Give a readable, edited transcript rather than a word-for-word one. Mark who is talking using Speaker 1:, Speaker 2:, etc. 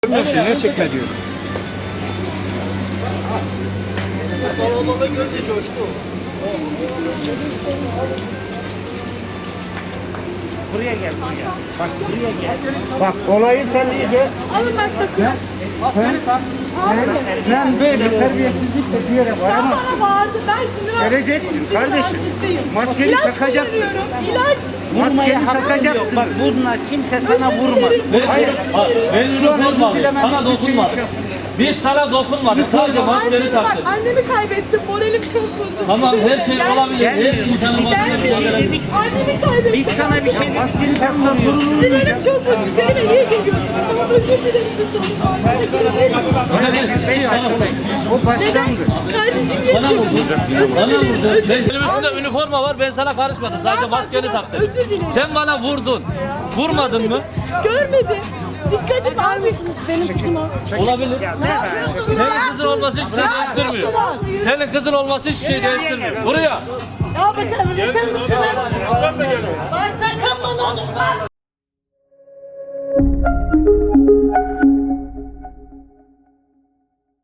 Speaker 1: Görmüyorsun, ne çekme diyor.
Speaker 2: Kalabalık görünce coştu.
Speaker 1: Buraya gel, buraya. Bak buraya gel. Bak olayı sen iyice...
Speaker 3: Alın ben sakın.
Speaker 1: Sen böyle terbiyesizlikle bir yere
Speaker 3: Sen
Speaker 1: varamazsın.
Speaker 3: bana bağırdı. Ben sinir
Speaker 1: Geleceksin kardeşim. Maskeni
Speaker 3: İlaç
Speaker 1: takacaksın.
Speaker 3: kullanıyorum. İlaç.
Speaker 1: Maskeni takacaksın. Bak bunlar kimse sana vurmaz. Hayır.
Speaker 4: Ben
Speaker 1: Şu an
Speaker 4: dokunmadım.
Speaker 1: özür dilemem
Speaker 4: Sana
Speaker 1: hiçbir şey
Speaker 4: dokunmadım.
Speaker 1: yok.
Speaker 4: Biz sana dokunmadık. Sadece maskeni
Speaker 3: Annemi bak,
Speaker 4: taktık.
Speaker 3: annemi kaybettim. Moralim çok bozuldu.
Speaker 4: Tamam her şey olabilir. Her insanın maskeni olabilir.
Speaker 3: Annemi kaybettim.
Speaker 1: Biz sana bir şey maskeni taksan sorun olur.
Speaker 3: Sinirlerim çok bozuldu. Seninle iyi geliyorsun. Tamam özür dilerim.
Speaker 1: O başlangıç.
Speaker 3: Kardeşim
Speaker 4: Bana
Speaker 3: yapıyorum.
Speaker 4: vurdun. Bana vurdun. Benim üstümde üniforma var. Ben sana karışmadım. Sadece maskeni taktım.
Speaker 3: Özür dilerim.
Speaker 4: Sen bana vurdun. Vurmadın mı?
Speaker 3: Görmedim. Dikkatim almıyorsunuz benim kızıma.
Speaker 4: Olabilir.
Speaker 3: Ne yapıyorsunuz?
Speaker 4: Senin kızın olması hiçbir şey değiştirmiyor. Senin kızın olması hiçbir şey değiştirmiyor. Buraya.
Speaker 3: Ya bakalım yeter misiniz? Ben sakın bana dokunma.